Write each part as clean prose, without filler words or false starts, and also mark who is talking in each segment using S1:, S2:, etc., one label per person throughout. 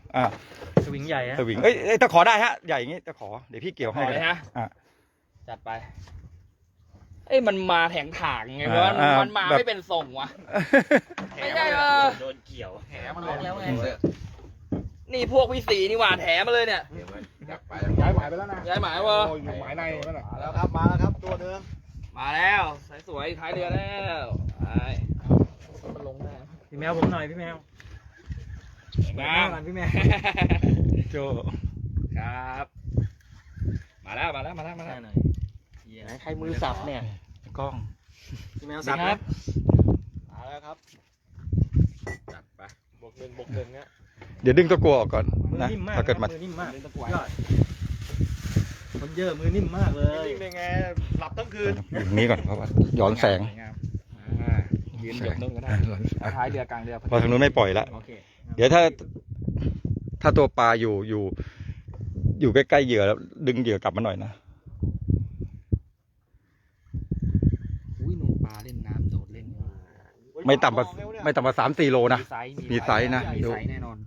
S1: สวิงใหญ่ฮะ
S2: สวิงตะขอได้ฮะใหญ่อย่างงี้ตะขอเดี๋ยวพี่เกี่ยวให้
S3: เลยฮะ
S2: อ่ะ
S3: จัดไปมันมาแถงถางไงวะมันมาไม่เป็นทรงวะไม่ใช่
S1: โดนเกี่ยว
S3: แถมมันล็อกแล้วไงนี่พวกพี่สีนี่หว่าแถมมาเลยเนี่ย
S4: ย้ายหมายไปแล้วนะ
S3: ย้ายหมายวะ
S4: หมายในนั่นแหละ
S5: มาแล้วครับตัวเดิม
S3: มาแล้วสวยท้ายเรือแล้วมันลงได้
S1: พี่แมวผมหน่อยพี่แมว
S3: งาม
S1: พี่แมว
S2: โจ
S3: ครับมาแล้วหน่อยใครมือสับเนี่ย
S2: กล้อง
S1: พี่แมว
S3: สั
S1: สั
S3: บบ ค
S1: ค
S3: รั
S1: รั
S3: บบ
S5: มาแล้วครับ
S3: จัดไป
S5: บวกหนึ่งเนี้ย
S2: เดี๋ยวดึงตะกัวออกก่อน
S1: มือ
S2: นะ
S1: นิ่มมาก
S2: ถ้าเกิดมัน
S1: มือนิ่มมาก
S5: เล่นตะกวาย
S1: ยอดคนเยอะมือนิ่มมากเลย
S5: นิ่งๆได้ไงหลับทั้งคืน
S2: อย่างนี้ก่อนเพราะว่าย้อนแสง
S3: ยืนหยบนุ่นก็ได้ท้ายเรือกลางเรือ
S2: พอทางนู้นไม่ปล่อยละ
S3: โอเค
S2: เดี๋ยวถ้าตัวปลาอยู่ใกล้ๆเหยื่อแล้วดึงเหยื่อกลับมาหน่อยนะ
S3: อุ้ยนุ่ปลาเล่นน้ำโดดเล่น
S2: ไม่ต่ำกว่า3-4 โลนะ มีไซส์นะ
S3: มี
S2: ดู
S3: ไซส์แน่นอน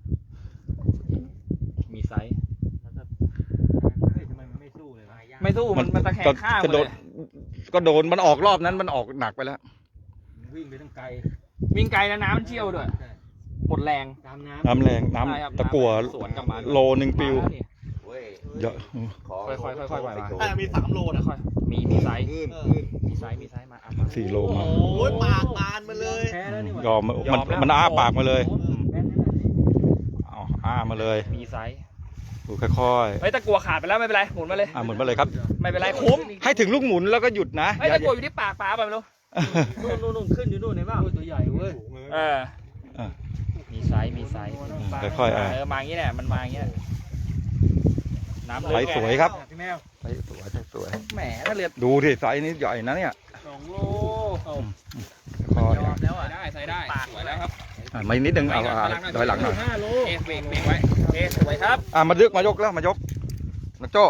S3: มีไซส์
S1: ทำไมมันไม่สู้เลยวะ
S3: ไม่สู้มันตะแคงข้าง
S2: ก็
S3: เล
S2: โด
S3: ย
S2: นก็โดนมันออกรอบนั้นมันออกหนักไปแล้ว
S1: วิ่งไปตั้งไกล
S3: วิ่งไกลแล้วน้ำมันเชี่ยวด้วยหมดแรง
S1: ตามน้
S2: น้ำแรง
S3: ใช่ครับ
S2: น้ำตะกัว
S3: สวนกลับมา
S2: โลนึงปิว
S5: เว้ย
S2: เยอะ
S3: ค่อยๆปล่อยมา
S5: น่าจะมี3 โลนะ
S3: ค่อยมีไซส์
S5: ขึ้น
S3: มีไซส์มา
S2: 4 โลมา
S5: โอ้ยปากบานมาเลย
S1: ำแพ้แล้วนี่หว่าย
S2: อมมันอ้าปากมาเลย
S1: แพ้ขนาดนี้
S2: เอาอ้ามาเลย
S3: มีไซส์
S2: ดูค่อย
S3: เฮ้ยตะกัวขาดไปแล้วไม่เป็นไรหมุนมาเลย
S2: หมุนมาเลยครับ
S3: ไม่เป็นไรคุ้ม
S2: ให้ถึงลูกหมุนแล้วก็หยุดนะ
S3: เฮ้ยตะกัวอยู่ที่ปากปลาไปไม่รู้
S1: นู่นขึ้นอยู่นู่นเห็นป่ะตัวใหญ่เว้ย
S3: เออ
S2: อ่ะ
S3: มีไซส์
S2: ค่อยๆ
S3: มาอย่างนี้แหละมันมาอย่างนี้น้ำ
S2: ไซส์สวยครับ
S1: พี่แมว
S2: ไซส์สวย
S3: แหมถ้าเรือ
S2: ดูดิไซส์นี้ใหญ่นะเนี่ย
S1: 2 โล
S2: ค่อย
S3: ยอมแล้วอ่ะได้ใส่ได้สวยแล้วครับ
S2: มานิดนึงเอาถอยหลังหน่อย
S1: 5 โล
S3: เบรกไว้สวยครับ
S2: มายกแล้วมายกนะโจ้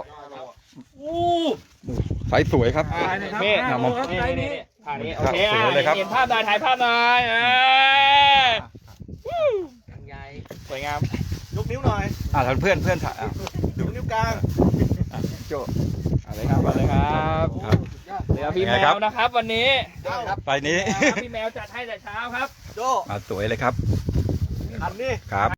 S2: ไซส์สวยครับ
S3: เมฆ
S1: 5 โลครับไซส์นี้
S3: ท่านี้
S2: ค
S3: โอ
S2: รับ
S3: เค
S2: สวยเลยครับ
S3: เห็นภาพหน่อยถ่ายภาพหน่อยสวยงาม
S5: ยกนิ้วหน่อย
S2: ทางเพื่อนถ่าย
S5: ยกนิ้วกลาง
S2: โจ้
S3: อะไรครับอะไรครับ
S2: ครับ
S3: เรือพี่แมวนะครับวันนี้
S5: ครับ
S2: ไปนี้
S3: พี่แมวจัดให้แต่เช้าครับ
S5: โจ
S2: สวยเลยครับ
S5: อันนี้
S2: ครับ